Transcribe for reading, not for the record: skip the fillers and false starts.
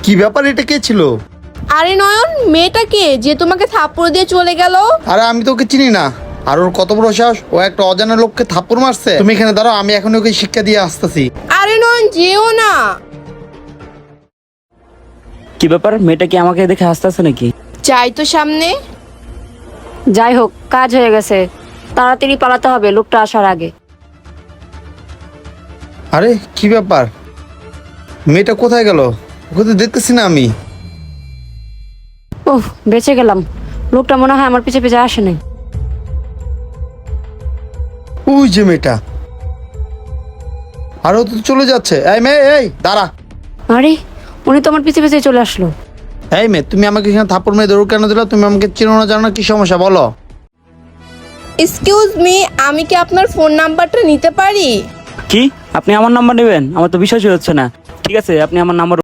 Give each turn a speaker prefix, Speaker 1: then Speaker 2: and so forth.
Speaker 1: কি ব্যাপার, এটা কে ছিল?
Speaker 2: আরে নয়ন, মেয়েটা কে যে তোমাকে থাপ্পড় দিয়ে চলে গেল?
Speaker 1: আরে আমি তো ওকে চিনি না। আর ওর কত বড় সাহস, ও একটা অজানা লোককে থাপ্পড় মারছে। তুমি এখানে দাঁড়াও, আমি এখন ওকে শিক্ষা দিয়ে আসতেছি।
Speaker 2: আরে নয়ন, যেও না।
Speaker 3: কি ব্যাপার, মেয়েটা কি আমাকে দেখে হাসতেছে নাকি?
Speaker 2: যাই তো সামনে।
Speaker 4: যাই হোক, কাজ হয়ে গেছে, তাড়াতাড়ি পালাতে হবে লোকটা আসার আগে।
Speaker 1: আরে কি ব্যাপার, মেয়েটা কোথায় গেল? ওকে তো দেখতেছি না আমি।
Speaker 4: ওহ, বেঁচে গেলাম। লোকটা মনে হয় আমার পিছে পিছে আসে নাই।
Speaker 1: ওই যে মেয়েটা, আর ও তো চলে যাচ্ছে। এই মেয়ে, এই দাঁড়া।
Speaker 4: আরে, উনি তো আমার পিছে পিছে চলে আসলো।
Speaker 1: এই মেয়ে, তুমি আমাকে এখানে থাপ্পড় মেরে দৌড় কেন দিলা? তুমি আমাকে চিনো না, জানো না, কি সমস্যা বলো?
Speaker 2: এক্সকিউজ মি, আমি কি আপনার ফোন নাম্বারটা নিতে পারি?
Speaker 3: কি, আপনি আমার নাম্বার নেবেন? আমার তো বিশ্বাসই হচ্ছে না। ঠিক আছে, আপনি আমার নাম্বার